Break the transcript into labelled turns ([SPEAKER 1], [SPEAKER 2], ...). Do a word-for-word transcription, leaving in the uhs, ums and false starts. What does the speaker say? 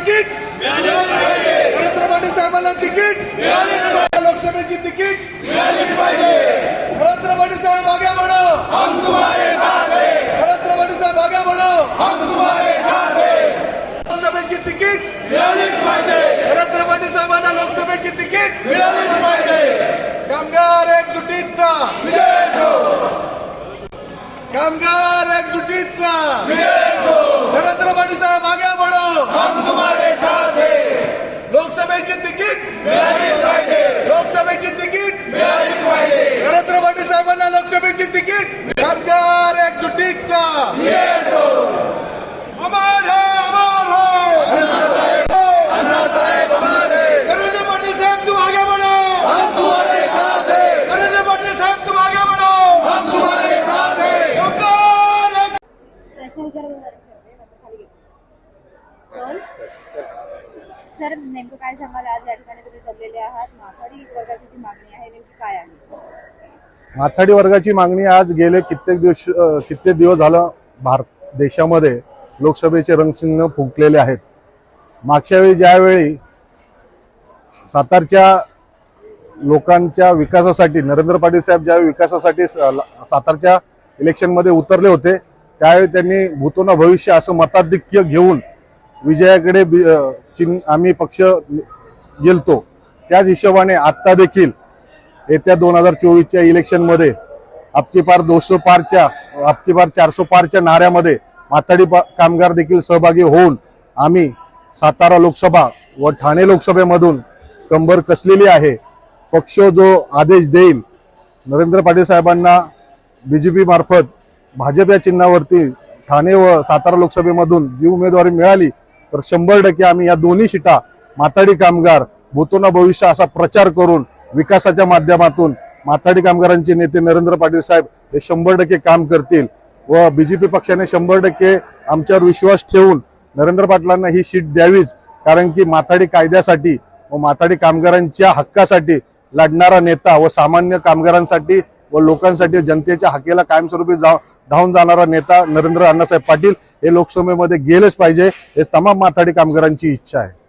[SPEAKER 1] Ticket Narendra Patil साहेबांना ticket लोकसभेची ticket Narendra Patil साहेब आगे बढ़ो, हम तुम्हारे साथ हैं। नरेंद्र पाटील साहेब आगे बढ़ो, हम तुम्हारे साथ हैं। लोकसभेची तिकीट नरेंद्र पाटील साहेबांना लोकसभेची तिकीट कामगार एकजुटीचा कामगार एकजुटीचा नरेंद्र पाटील साहेब आगे बढ़ो, हम तुम्हारे साथ हैं। लोकसभेची तिकीट लोकसभेची तिकीट नरेंद्र पाटील साहेबांना लोकसभेची तिकीट कामगार एकजुटीचा
[SPEAKER 2] अमर है अमर है
[SPEAKER 1] अण्णासाहेब हमारे
[SPEAKER 2] नरेंद्र पाटील साहब तुम आगे बढ़ो,
[SPEAKER 1] हम तुम्हारे साथ हैं।
[SPEAKER 2] नरेंद्र पाटील साहब तुम आगे बढ़ो,
[SPEAKER 1] हम तुम्हारे साथ हैं।
[SPEAKER 2] कामगार एक-
[SPEAKER 3] प्रश्न विचार सर नेमकं काय सांगाल? आज या ठिकाणी तुम्ही जमलेले आहात, माथाडी वर्गाची जी मागणी आहे नेमकी काय आहे?
[SPEAKER 4] माथाडी वर्गाची मागणी आज गेले कित्येक दिवस अ, कित्येक दिवस झालं भारत देशामध्ये लोकसभेचे रणशिंग फुंकलेले आहेत। मागच्या वेळी ज्यावेळी सातारच्या लोकांच्या विकासासाठी नरेंद्र पाटील साहेब ज्यावेळी विकासासाठी सातारच्या इलेक्शनमध्ये उतरले होते त्यावेळी त्यांनी भूतो न भविष्य असं मताधिक्य घेऊन विजयाकडे चिन्ह आम्ही पक्ष गेलतो। त्याच हिशोबाने आत्ता देखील येत्या दोन हजार चोवीसच्या इलेक्शनमध्ये आपकी पार दोनशे पारच्या आपकी पार चारशे पारच्या नाऱ्यामध्ये माथाडी कामगार देखील सहभागी होऊन आम्ही सातारा लोकसभा व ठाणे लोकसभेमधून कंबर कसलेली आहे। पक्ष जो आदेश देईल नरेंद्र पाटील साहेबांना बीजेपी मार्फत भाजप या चिन्हावरती ठाणे व सातारा लोकसभेमधून जी उमेदवारी मिळाली तर शंभर टक्के आम्ही या दोन्ही सीटा माथाडी कामगार भूतोना भविष्य असा प्रचार करून विकासाच्या माध्यमातून माथाडी कामगारांचे नेते नरेंद्र पाटील साहेब हे शंभर टक्के काम करतील व बीजेपी पक्षाने शंभर टक्के आमच्यावर विश्वास ठेवून नरेंद्र पाटलांना ही सीट द्यावीच, कारण की माथाडी कायद्यासाठी व माथाडी कामगारांच्या हक्कासाठी लढणारा नेता व सामान्य कामगारांसाठी व लोकांसाठी जनतेच्या हक्केला कायमस्वरूपी जा धावून जाणारा नेता नरेंद्र अण्णासाहेब पाटील हे लोकसभेमध्ये गेलेच पाहिजे, हे तमाम माथाडी कामगारांची इच्छा आहे।